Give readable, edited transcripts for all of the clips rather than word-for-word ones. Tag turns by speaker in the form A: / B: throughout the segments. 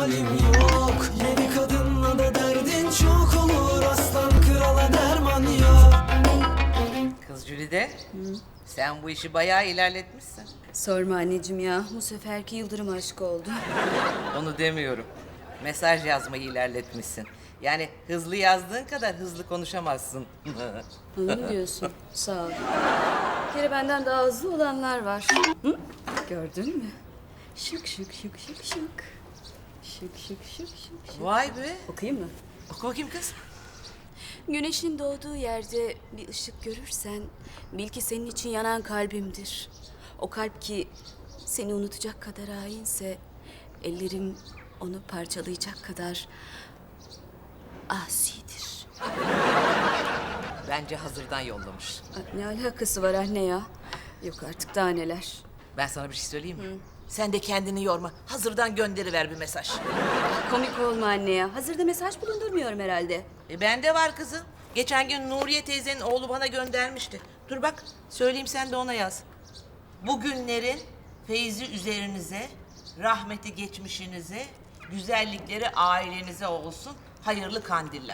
A: halim yok. Yeni kadınla da derdin çok olur, aslan krala derman yok.
B: Kız Jülide, sen bu işi bayağı ilerletmişsin.
C: Sorma anneciğim ya. Bu seferki Yıldırım aşkı oldu.
B: Onu demiyorum. Mesaj yazmayı ilerletmişsin. Yani hızlı yazdığın kadar hızlı konuşamazsın.
C: Öyle mi diyorsun? Sağ ol. Bir kere benden daha hızlı olanlar var. Hı? Gördün mü? Şık şık şık şık şık. Şık şık şık şık şık.
B: Vay be.
C: Okuyayım mı?
B: Oku bakayım kız.
C: Güneşin doğduğu yerde bir ışık görürsen bil ki senin için yanan kalbimdir. O kalp ki seni unutacak kadar hainse ellerim onu parçalayacak kadar asidir.
B: Bence hazırdan yollamış.
C: Ne alakası var anne ya? Yok artık daha neler.
B: Ben sana bir şey söyleyeyim mi? Sen de kendini yorma. Hazırdan gönderiver bir mesaj.
C: Komik olma anne ya. Hazırda mesaj bulundurmuyorum herhalde.
B: Bende var kızım. Geçen gün Nuriye teyzenin oğlu bana göndermişti. Dur bak, söyleyeyim sen de ona yaz. Bugünlerin feyzi üzerinize, rahmeti geçmişinize, güzellikleri ailenize olsun. Hayırlı kandiller.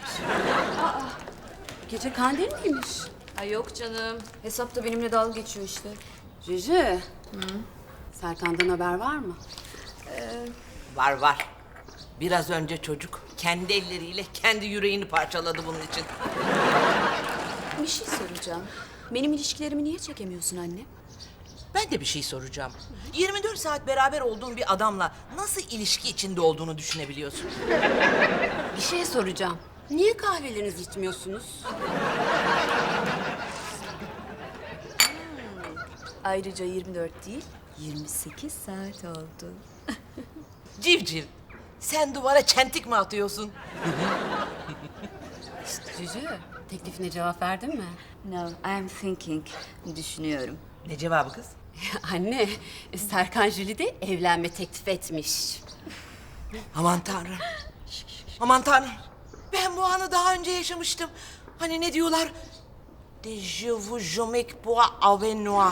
C: Gece kandil miymiş? Ay yok canım. Hesapta benimle dalga geçiyor işte. Cici. Serkan'dan haber var mı?
B: Var var. Biraz önce çocuk kendi elleriyle kendi yüreğini parçaladı bunun için.
C: Bir şey soracağım. Benim ilişkilerimi niye çekemiyorsun anne?
B: Ben de bir şey soracağım. 24 saat beraber olduğun bir adamla nasıl ilişki içinde olduğunu düşünebiliyorsun?
C: Bir şey soracağım. Niye kahvelerinizi içmiyorsunuz? Ayrıca 24 değil, 28 saat oldu.
B: Civciv, sen duvara çentik mi atıyorsun?
D: Cücü, teklifine cevap verdin mi?
C: No, I'm thinking. Düşünüyorum.
B: Ne cevabı kız?
D: Anne, Serkan Jüli de evlenme teklif etmiş.
B: Aman tanrım. Aman tanrım. Ben bu anı daha önce yaşamıştım. Hani ne diyorlar? De je vous jomec pour avec moi.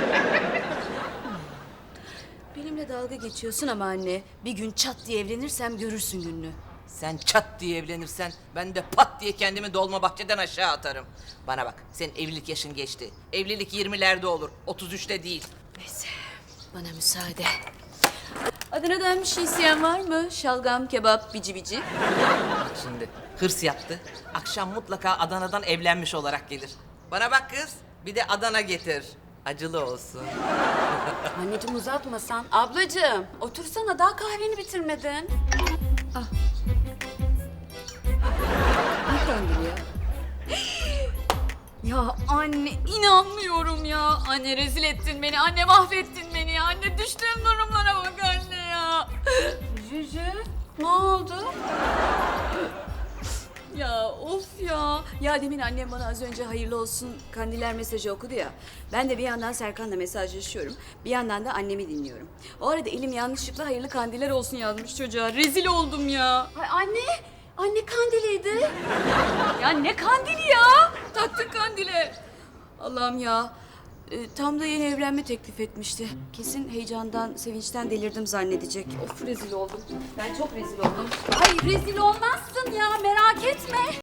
C: Benimle dalga geçiyorsun ama anne. Bir gün çat diye evlenirsem görürsün gününü.
B: Sen çat diye evlenirsen ben de pat diye kendimi Dolmabahçe'den aşağı atarım. Bana bak, senin evlilik yaşın geçti. Evlilik 20'lerde olur, 33'te değil.
C: Neyse, bana müsaade. Adana'dan bir şey isteyen var mı? Şalgam, kebap, bici bici.
B: Bak şimdi, hırs yaptı. Akşam mutlaka Adana'dan evlenmiş olarak gelir. Bana bak kız, bir de Adana getir. Acılı olsun.
D: Anneciğim uzatmasan. Ablacığım, otursana daha kahveni bitirmedin.
C: Ne kandili ya?
E: Ya anne inanmıyorum ya. Anne rezil ettin beni. Anne mahvettin beni ya. Anne düştüğüm durumlara bak anne ya.
D: Cücü, ne oldu?
C: Ya of ya. Ya demin annem bana az önce hayırlı olsun kandiller mesajı okudu ya. Ben de bir yandan Serkan'la mesajlaşıyorum. Bir yandan da annemi dinliyorum. O arada elim yanlışlıkla hayırlı kandiller olsun yazmış çocuğa. Rezil oldum ya.
D: Ay anne, anne kandiliydi.
E: Ya ne kandili ya?
C: Taktık kandile. Allah'ım ya. Tam da yeni evlenme teklif etmişti. Kesin heyecandan, sevinçten delirdim zannedecek. Of rezil oldum. Ben çok rezil oldum.
D: Ay rezil olmazsın ya, merak etme.